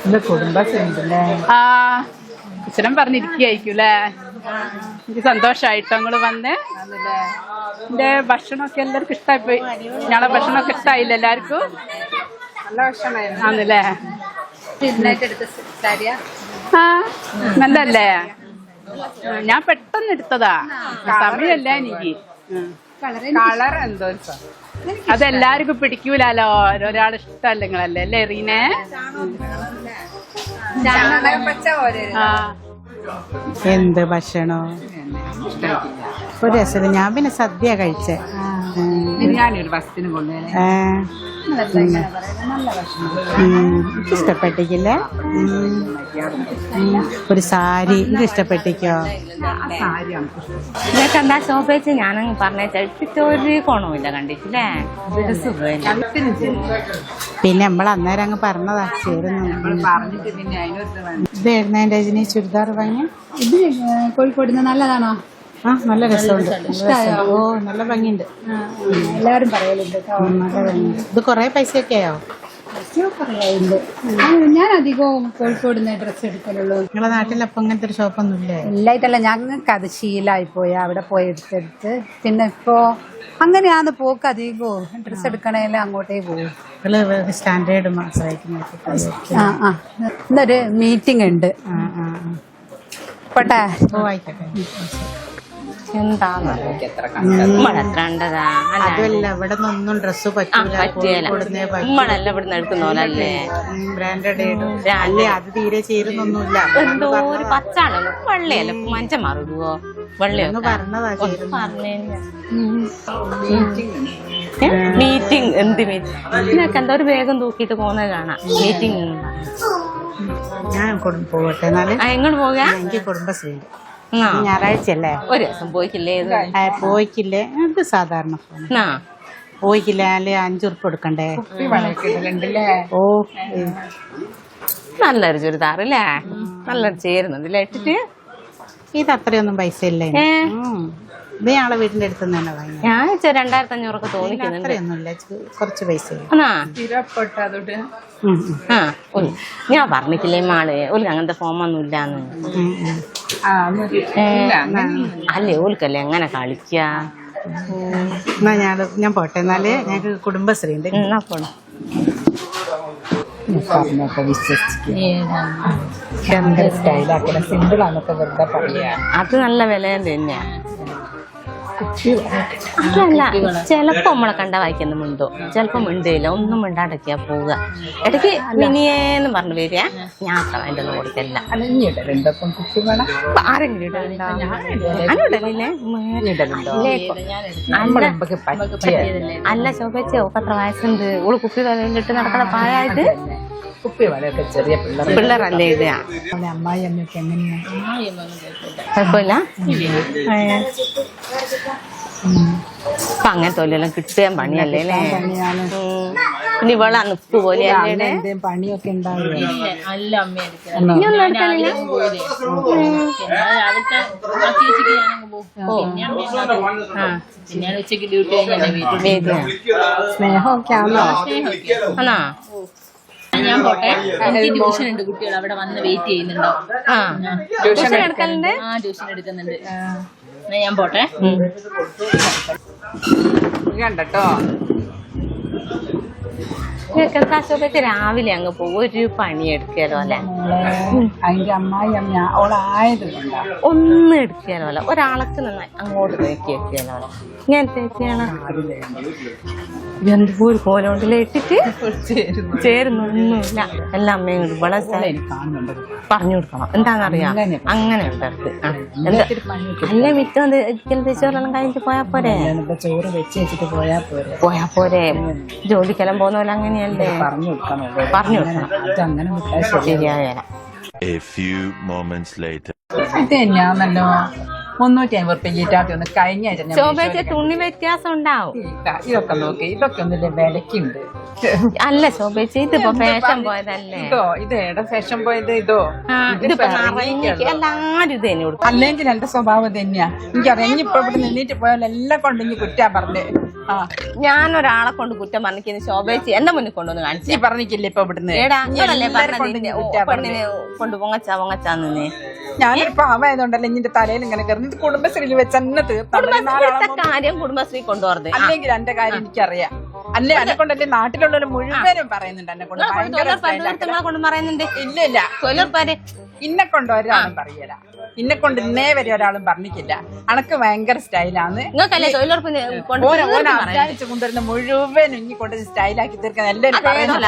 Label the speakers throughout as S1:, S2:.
S1: ആ കുശലം പറഞ്ഞിരിക്കുകയായിരിക്കൂല്ലേ. എനിക്ക് സന്തോഷായിട്ടോ നിങ്ങള് വന്ന്. എന്റെ ഭക്ഷണമൊക്കെ എല്ലാവർക്കും ഇഷ്ടമായിപ്പോയി. ഞങ്ങളെ ഭക്ഷണമൊക്കെ ഇഷ്ടമായില്ല എല്ലാവർക്കും? നല്ല ഭക്ഷണമായിരുന്നു ആണല്ലേ. ആ നല്ലല്ലേ. ഞാൻ പെട്ടെന്ന് എടുത്തതാ, സമയമല്ല എനിക്ക്. കളർ എന്തോ അതെല്ലാവർക്കും പിടിക്കൂലോ, ഒരാൾ ഇഷ്ടമല്ല നിങ്ങളല്ലേ അല്ലേ റീനെ?
S2: എന്ത് ഭക്ഷണോ ഒരു രസം. ഞാൻ പിന്നെ സദ്യ കഴിച്ചേ. ഇഷ്ടപ്പെട്ടിക്കില്ല. ഒരു സാരി എനിക്ക് ഇഷ്ടപ്പെട്ടിക്കോ?
S3: ഇതൊക്കെ എന്താ ശോഭിച്ച് ഞാനങ്ങ് പറഞ്ഞിട്ട് ഒരു ഗുണമില്ല കണ്ടിട്ടില്ലേ.
S2: പിന്നെ നമ്മൾ അന്നേരം അങ്ങ് പറഞ്ഞതാ ചേരുന്നു. ഇതായിരുന്നു എന്റെ രജനി ചുരിദാർ വാങ്ങി.
S4: ഇത് കോഴിക്കോട് നല്ലതാണോ?
S2: ആ നല്ല രസമുണ്ട്. ഓ നല്ല ഭംഗിയുണ്ട്.
S4: എല്ലാവരും പറയലുണ്ട്.
S2: നല്ല ഭംഗിയുണ്ട്. ഇത് കൊറേ പൈസയൊക്കെ ആയോ?
S4: പറയാറുണ്ട്. ഞാൻ അധികവും കോഴിക്കോട് നിന്ന് ഡ്രസ്സ് എടുക്കലുള്ളൂ.
S2: നിങ്ങളെ നാട്ടിൽ അപ്പൊ അങ്ങനത്തെ ഒരു ഷോപ്പൊന്നും ഇല്ലേ?
S4: എല്ലായിട്ടല്ല, ഞങ്ങൾക്ക് അത് ശീലമായി പോയി അവിടെ പോയി എടുത്തെടുത്ത്. പിന്നെ ഇപ്പോ അങ്ങനെയാന്ന് പോക്ക്. അധികവും ഡ്രസ്സ് എടുക്കണേലും അങ്ങോട്ടേ പോകും.
S2: സ്റ്റാൻഡേർഡ് ആശ്രയിക്കുന്ന.
S4: ഇന്നൊരു മീറ്റിംഗ് ഉണ്ട്. പോട്ടെ.
S2: ഓ ആയിക്കോട്ടെ.
S3: എന്താന്നല്ല
S2: ഇവിടെ നിന്നൊന്നും ഡ്രസ്സ് പറ്റില്ല.
S3: നമ്മളല്ല ഇവിടുന്ന് എടുക്കുന്നോലല്ലേ.
S2: ബ്രാൻഡഡ് അല്ലേ, അത് തീരെ ചേരുന്നൊന്നുമില്ല.
S3: എന്തോ ഒരു പച്ചാണ് വെള്ളയല്ല മഞ്ച മാറിടുവോ? വെള്ളയൊന്ന്
S2: പറഞ്ഞതാ.
S3: മീറ്റിംഗ് എന്ത് മീറ്റിംഗ്? ഇതിനൊക്കെ എന്തോ ഒരു വേഗം തൂക്കിയിട്ട് പോകുന്നത് കാണാം. മീറ്റിംഗ്
S2: ഞാൻ പോകട്ടെ. എന്നാലും
S3: എങ്ങോട്ട് പോകാ?
S2: എനിക്ക് കുടുംബശ്രീ ഞായറാഴ്ചയല്ലേ.
S3: ഒരു ദിവസം പോയിക്കില്ലേ?
S2: പോയിക്കില്ലേ? അത് സാധാരണ പോയിക്കില്ല. അല്ലെ 5 ഉറുപ്പ് കൊടുക്കണ്ടേ? ഓ
S3: നല്ലൊരു ചുരിദാറല്ലേ, നല്ലൊരു ചേരുന്നുണ്ടല്ലേ ഇട്ടിട്ട്.
S2: ഇത് അത്രയൊന്നും പൈസ ഇല്ലേ? ഇത് ഞങ്ങളെ വീടിന്റെ അടുത്ത് തന്നെ വാങ്ങി.
S3: ഞാൻ 2500 തോന്നിക്കുന്നുണ്ട്.
S2: അത്രയൊന്നുമില്ല, കുറച്ച് പൈസ.
S3: ഞാൻ പറഞ്ഞിട്ടില്ലേ മാള് ഓൽക്ക് അങ്ങനത്തെ ഫോമൊന്നും ഇല്ലാന്ന്. അല്ലേ ഓൽക്കല്ലേ എങ്ങനെ കളിക്ക.
S2: എന്നാ ഞാൻ പോട്ടെ. എന്നാല് ഞങ്ങക്ക് കുടുംബശ്രീ ഉണ്ട്.
S3: എന്നാ പോണം. അത് നല്ല വില തന്നെയാ. അതല്ല, ചിലപ്പോ നമ്മളെ കണ്ട വായിക്കുന്ന മിണ്ടോ, ചിലപ്പോ മിണ്ടില്ല. ഒന്നും മിണ്ടാടക്കിയാ പോവുക. ഇടയ്ക്ക് മിനിയേന്ന് പറഞ്ഞു വരിക. ഞാൻ അതിന്റെ ഒന്നും കൊടുക്കല്ല. ആരെങ്കിലും ഇടലുണ്ടോ? ഞാനിടലില്ലേ. അല്ല ശോഭച്ചോ, എത്ര വയസ്സുണ്ട്? ഓള് കുപ്പി ഇട്ട് നടക്കണ പ്രായമായിട്ട് പിള്ളേരല്ലേ ഇടുക. കുഴപ്പമില്ല. അപ്പൊ അങ്ങനത്തെ തൊഴിലെല്ലാം കിട്ടുകയും പണിയല്ലേ അല്ലേ? പിന്നെ ഇവളാ നിപ്പ് പോലെയല്ലേ
S4: പണിയൊക്കെ ഉണ്ടാവില്ല. സ്നേഹമൊക്കെ ആണോ?
S3: ആണോ?
S5: ഞാൻ പോട്ടെ. എനിക്ക് ട്യൂഷൻ ഉണ്ട്, കുട്ടികൾ അവിടെ വന്ന് വെയിറ്റ് ചെയ്യുന്നുണ്ടോ?
S3: ട്യൂഷൻ എടുക്കലുണ്ട്.
S5: ട്യൂഷൻ എടുക്കുന്നുണ്ട്. ഞാൻ പോട്ടെ.
S1: കണ്ടോ
S3: രാവിലെ അങ്ങ് പോകും. ഒരു പണി എടുക്കാലോ അല്ലെ?
S4: അതിന്റെ അമ്മായി ഓളായത്
S3: ഒന്നും എടുക്കാലോ അല്ല. ഒരാൾക്ക് നന്നായി അങ്ങോട്ട് നോക്കി വെക്കാലോ അല്ല. ഇങ്ങനത്തെ എന്തോ ഒരു കോലോണ്ടിൽ ഇട്ടിട്ട് ചേരുന്നൊന്നുമില്ല. എല്ലാ അമ്മയും ഇവിടെ പറഞ്ഞു കൊടുക്കണം. എന്താണെന്നറിയാം. അങ്ങനെ ഉണ്ട്. അല്ല മിറ്റം ചോറെല്ലാം കഴിഞ്ഞിട്ട് പോയാ പോരെ?
S4: ചോറ് വെച്ച് വെച്ചിട്ട്
S3: പോയാ പോരെ? ജോലിക്കെല്ലാം പോകുന്ന പോലെ അങ്ങനെയല്ലേ? പറഞ്ഞു കൊടുക്കണം. ശരിയായ
S1: തന്നെയാണല്ലോ. 350 റുപ്യ ഈറ്റാത്തി ഒന്ന് കഴിഞ്ഞ
S3: ശോഭച്ച തുണി വ്യത്യാസം ഉണ്ടാവും.
S1: ഇതൊക്കെ നോക്കി, ഇതൊക്കെ ഒന്നില്ല വിലക്കുണ്ട്.
S3: അല്ല ശോഭച്ച, ഇതിപ്പോ ഫാഷൻ പോയതല്ലേ?
S1: ഇത് എവിടെ ഫാഷൻ പോയത്?
S3: ഇതിപ്പോ എല്ലാരും ഇത് തന്നെ കൊടുക്കും.
S1: അല്ലെങ്കിൽ എന്റെ സ്വഭാവം തന്നെയാ. എനിക്കറിയാം. ഇനിയിപ്പോ ഇവിടെ നിന്നിട്ട് പോയാൽ എല്ലാം കൊണ്ട് ഇനി കുറ്റാ പറഞ്ഞേ.
S3: ഞാനൊരാളെ കൊണ്ട് കുറ്റം പറഞ്ഞിരിക്കുന്നു ശോഭേച്ചി എന്റെ മുന്നിൽ കൊണ്ടുവന്ന് കാണിച്ചു.
S1: നീ പറഞ്ഞില്ലേ ഇപ്പൊ ഇവിടുന്ന്
S3: ഏടാ നിങ്ങളല്ലേ
S1: എല്ലാരെ കൊണ്ട്
S3: പറഞ്ഞത്
S1: നീ കുറ്റാ
S3: പെണ്ണിനെ കൊണ്ട് പൊങ്ങച്ചാന്ന്.
S1: ഞാനൊരു പാവായതുകൊണ്ടല്ലേ നിന്റെ തലയിൽ ഇങ്ങനെ കയറി കുടുംബശ്രീയിൽ വെച്ച് തന്നെ
S3: കുടുംബശ്രീത്തെ കാര്യം കുടുംബശ്രീ കൊണ്ടുപോകരുത്.
S1: അല്ലെങ്കിൽ എന്റെ കാര്യം എനിക്കറിയാം. അല്ലേ എന്നെ കൊണ്ടല്ലേ നാട്ടിലുള്ളവർ മുഴുവനും പറയുന്നുണ്ട് എന്നെ കൊണ്ട് ഭയങ്കര
S3: നിങ്ങളെ കൊണ്ട് പറയുന്നുണ്ട്.
S1: ഇല്ല ഇല്ല
S3: തൊഴിലുറപ്പാര്
S1: ഇന്നെ കൊണ്ട് ഒരാളും പറയല. ഇന്നെ കൊണ്ട് ഇന്നേ വരെ ഒരാളും പറഞ്ഞിട്ടില്ല. അനക്ക് ഭയങ്കര സ്റ്റൈലാണ്.
S3: നിങ്ങൾക്കല്ലേ തൊഴിലുറപ്പിന്
S1: അധ്വാനിച്ച് കൊണ്ടുവരുന്ന മുഴുവൻ ഇനി കൊണ്ട് സ്റ്റൈലാക്കി തീർക്കാൻ എല്ലാവരും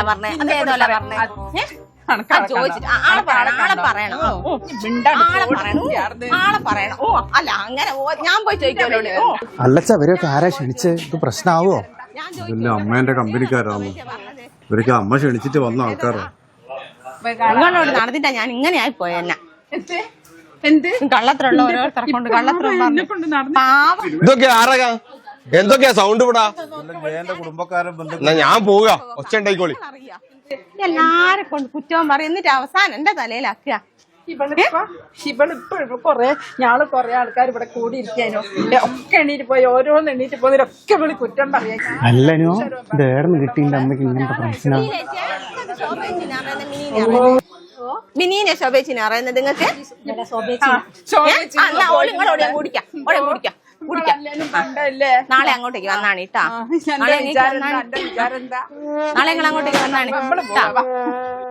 S3: അല്ല അങ്ങനെ ഞാൻ പോയി ചോദിക്കല്ലോ.
S6: അല്ലച്ച ഇവരൊക്കെ ആരാ ക്ഷണിച്ച് ഇത് പ്രശ്നമാവോ?
S7: ഇതല്ലേ അമ്മേന്റെ കമ്പനിക്കാരാണ് ഇവരൊക്കെ. അമ്മ ക്ഷണിച്ചിട്ട് വന്ന ആൾക്കാരാ.
S3: നിങ്ങളോട് നടന്നിട്ടാ ഞാൻ ഇങ്ങനെ ആയി പോയെന്നെ.
S1: എന്ത്
S3: കള്ളത്തിലുള്ള ഓരോരുത്തരെ കൊണ്ട് കള്ളത്തിലുള്ള
S8: ഇതൊക്കെ ആരക എന്തൊക്കെയാ സൗണ്ട് ഇവിടാ?
S7: എന്റെ കുടുംബക്കാരൻ
S8: എന്നാ ഞാൻ പോവുക. ഒച്ച ഉണ്ടായിക്കോളി.
S3: എല്ലാരെ കൊണ്ട് കുറ്റവും പറയും എന്നിട്ട് അവസാനം എന്റെ തലയിലാക്കുക.
S1: ഇവളിപ്പോ കൊറേ ആൾക്കാർ ഇവിടെ കൂടി ഇരിക്കാനോ ഒക്കെ എണീറ്റ് പോയി ഓരോന്ന് എണീറ്റ് പോകുന്നതിലൊക്കെ ഇവള് കുറ്റം പറയാ.
S6: അല്ലനോ ഇത് ഏർന്ന് കിട്ടിന്റെ അമ്മയ്ക്ക് ഇങ്ങനത്തെ പ്രശ്നം.
S3: മിനീനെ ശോഭേച്ചിനെ അറിയുന്നത് നിങ്ങൾക്ക്? നാളെ അങ്ങോട്ടേക്ക് വന്നാണ് കേട്ടാ. നാളെ നിങ്ങൾ അങ്ങോട്ടേക്ക് വന്നാണ്.